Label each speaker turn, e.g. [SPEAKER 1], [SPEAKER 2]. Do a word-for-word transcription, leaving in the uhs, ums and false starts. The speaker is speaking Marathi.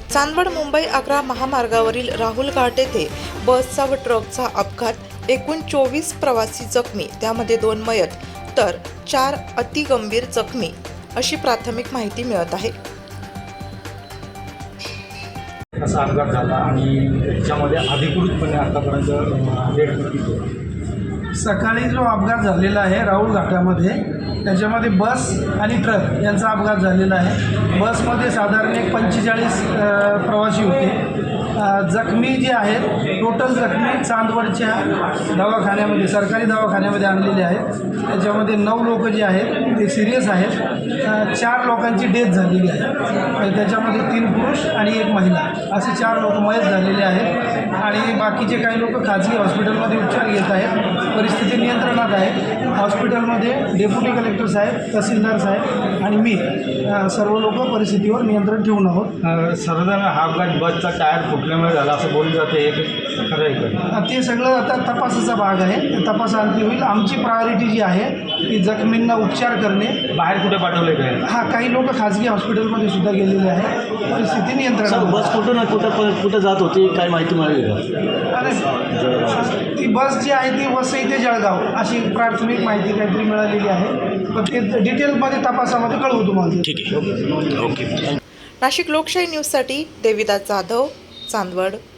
[SPEAKER 1] चांदवड मुंबई आग्रा महामार्गावरील राहुल घाट येथे बसचा व ट्रकचा अपघात, एकूण चोवीस प्रवासी जखमी, त्यामध्ये दोन मयत तर चार अतिगंभीर जखमी अशी प्राथमिक माहिती मिळत आहे।
[SPEAKER 2] असा अपघात झाला आणि त्याच्यामध्ये अधिकृतपणे आतापर्यंत डेट किती?
[SPEAKER 3] सकाळी जो अपघात झालेला आहे राहुल घाटामध्ये, त्याच्यामध्ये बस आणि ट्रक यांचा अपघात झालेला आहे। बसमध्ये साधारण एक पंचेचाळीस प्रवासी होते। जखमी जे आहेत, टोटल जखमी चांदवडच्या दवाखान्यामध्ये, सरकारी दवाखान्यामध्ये आणलेले आहेत। त्याच्यामध्ये नऊ लोक जे आहेत ते सिरियस आहेत। चार लोकांची डेथ झालेली आहे, त्याच्यामध्ये तीन पुरुष आणि एक महिला असे चार लोक मयत झालेले आहेत आणि बाकीचे काही लोक खाजगी हॉस्पिटलमध्ये उपचार घेत आहेत। परिस्थिती नियंत्रणात आहे। हॉस्पिटलमध्ये डेप्युटी कलेक्टर साहेब, तहसीलदार साहेब आणि मी सर्व लोक परिस्थितीवर नियंत्रण ठेवून आहोत।
[SPEAKER 2] सर्वजण हा अपघात बसचा टायर फुटल्यामुळे झाला असं बोललं जातं, हे खरं आहे का?
[SPEAKER 3] ते सगळं आता तपासाचा भाग आहे, ते तपासाअंती होईल। आमची प्रायोरिटी जी आहे ती जखमींना उपचार करणे।
[SPEAKER 2] बाहेर कुठे पाठवले काय?
[SPEAKER 3] हा, काही लोक खाजगी हॉस्पिटलमध्ये सुद्धा गेलेले आहेत। परिस्थिती नियंत्रणात।
[SPEAKER 4] बस कुठं ना कुठं कुठं जात होती, काय माहिती मिळाली का?
[SPEAKER 3] आणि ती बस जी आहे ती वसई ते जळगाव अशी प्राथमिक माहिती काहीतरी मिळालेली आहे, पण ते डिटेलमध्ये तपासामध्ये कळवू तुम्हाला।
[SPEAKER 4] ठीक आहे, ओके।
[SPEAKER 1] नाशिक लोकशाही न्यूजसाठी देविदास जाधव, चांदवड।